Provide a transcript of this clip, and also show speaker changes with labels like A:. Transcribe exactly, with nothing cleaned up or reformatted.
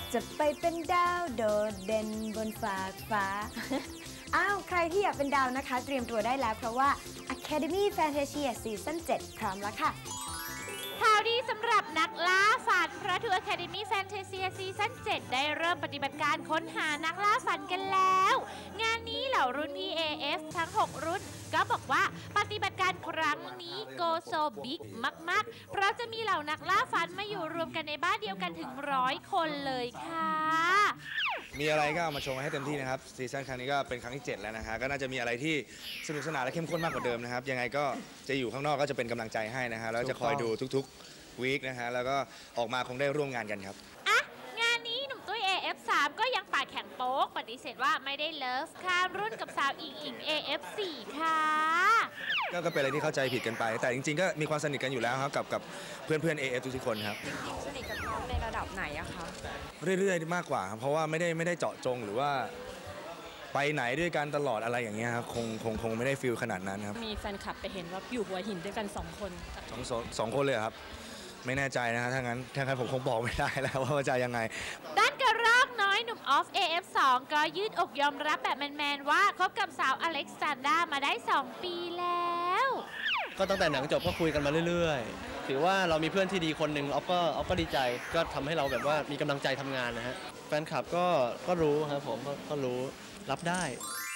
A: จะไปเป็นดาวโดดเด่นบนฟากฟ้า อ้าวใครที่อยากเป็นดาวนะคะเตรียมตัวได้แล้วเพราะว่า Academy Fantasia ซีซั่นเจ็ดพร้อมแล้วค่ะ
B: ข่าวดีสำหรับนักล่าฝันเพราะ True Academy Fantasia ซีซั่นเจ็ดได้เริ่มปฏิบัติการค้นหานักล่าฝันกันแล้ว งานนี้เหล่ารุ่นพี่ เอ เอฟ ทั้ง หก รุ่นก็บอกว่าปฏิบัติการครั้งนี้โกโซบิ๊กมากๆเพราะจะมีเหล่านักล่าฝันมาอยู่รวมกันในบ้านเดียวกันถึงร้อยคนเลยค่ะ
C: มีอะไรก็เอามาโชว์ให้เต็มที่นะครับซีซั่นครั้งนี้ก็เป็นครั้งที่เจ็ดแล้วนะฮะก็น่าจะมีอะไรที่สนุกสนานและเข้มข้นมากกว่าเดิมนะครับยังไงก็จะอยู่ข้างนอกก็จะเป็นกำลังใจให้นะฮะแล้วจะคอยดูทุกๆวีคนะฮะแล้วก็ออกมาคงได้ร่วมงานกันครับ
B: อ่ะงานนี้หนุ่มตุ้ย เอ เอฟ สาม ก็ยังปากแข็งโป๊กปฏิเสธว่าไม่ได้เลิฟข้ามรุ่นกับสาวอิงอิง เอ เอฟ สี่ ค่ะ
C: ก็เป็นอะไรที่เข้าใจผิดกันไปแต่จริงๆก็มีความสนิทกันอยู่แล้วครับกับกับเพื่อนๆ เอ เอฟ ทุกๆคนครับ
A: สนิทกับน้องในระดับไหนอะคะ
C: เรื่อยๆมากกว่าครับเพราะว่าไม่ได้ไม่ได้เจาะจงหรือว่าไปไหนด้วยกันตลอดอะไรอย่างเงี้ยครับคงคงคงไม่ได้ฟีลขนาดนั้นครับ
D: มีแฟนคลับไปเห็นว่าอยู่หัวหินด้วยกันสองคน
C: สองสองคนเลยครับไม่แน่ใจนะฮะถ้างั้นถ้างั้นผมคงบอกไม่ได้แล้วว่าจะยังไง
B: ด้านกระรอกน้อยหนุ่มออฟ เอ เอฟ สอง ก็ยืดอกยอมรับแบบแมนๆว่าคบกับสาวอเล็กซานดรามาได้สองปีแล้ว
E: ก็ตั้งแต่หนังจบก็คุยกันมาเรื่อยๆถือว่าเรามีเพื่อนที่ดีคนหนึ่งออฟก็ออฟก็ดีใจก็ทำให้เราแบบว่ามีกำลังใจทำงานนะฮะแฟนคลับก็ก็รู้ครับผมก็รู้รับได้